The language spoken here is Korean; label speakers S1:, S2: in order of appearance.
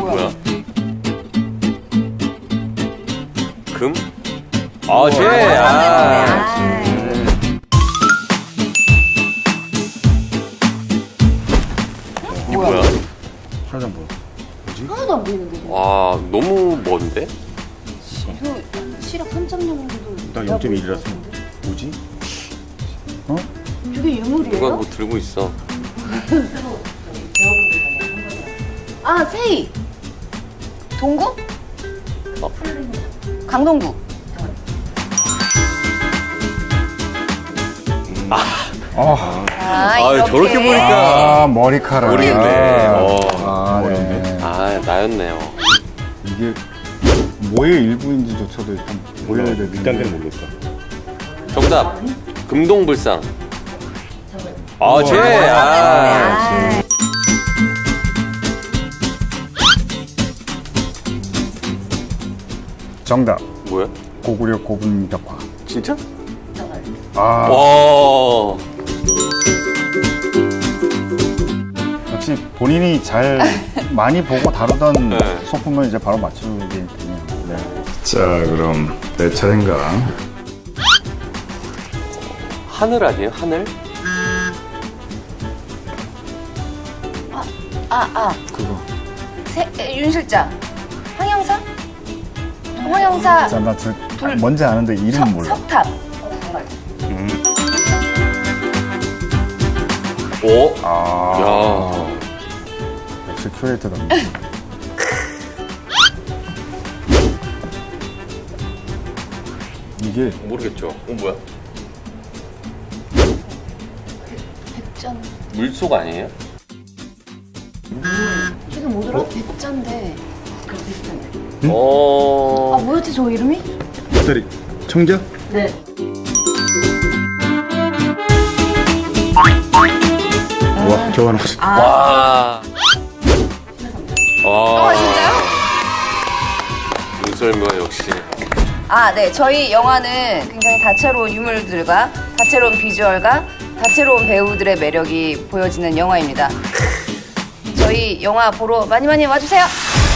S1: 뭐야? 금? 아, 쟤! 이게 뭐야?
S2: 하나도 안 보여.
S3: 하나도 안 보이는데.
S1: 와, 너무 먼데?
S3: 이거 시력 3.0도.
S2: 나 0.1이라서. 뭐지? 어?
S3: 저게 유물이에요?
S1: 누가 뭐 들고 있어.
S3: 아, 세이. 동구? 강동구.
S1: 아, 저렇게 보니까.
S2: 아, 머리카락.
S1: 모르겠네.
S2: 아, 네.
S1: 아, 나였네요.
S2: 이게 뭐의 일부인지조차도 일단 보여야 되는데.
S4: 일단은 모르겠다.
S1: 정답. 금동불상. 아, 쟤!
S2: 정답.
S1: 뭐야?
S2: 고구려 고분격화.
S1: 진짜?
S2: 아,
S1: 와.
S2: 역시 본인이 잘 많이 보고 다루던
S1: 네.
S2: 소품을 이제 바로 맞추게 되네요. 네. 자, 그럼 내 차례인가?
S1: 하늘 아니에요? 하늘?
S2: 그거.
S3: 윤 실장. 황영사? 황영사.
S2: 자, 나 뭔지 아는데 이름 몰라.
S3: 석탑.
S1: 오.
S2: 아,
S1: 야.
S2: 역시 큐레이터다. 이게
S1: 모르겠죠. 뭐야?
S3: 백전.
S1: 물속 아니에요?
S3: 이게 뭐더라? 백전데.
S1: 어.
S3: 아, 뭐였지 저 이름이?
S2: 배터리 청자?
S3: 네.
S2: 와, 저거 하나.
S1: 와. 와.
S3: 진짜요?
S1: 눈썰미가 역시.
S3: 아, 네. 저희 영화는 굉장히 다채로운 유물들과 다채로운 비주얼과 다채로운 배우들의 매력이 보여지는 영화입니다. 저희 영화 보러 많이 많이 와주세요.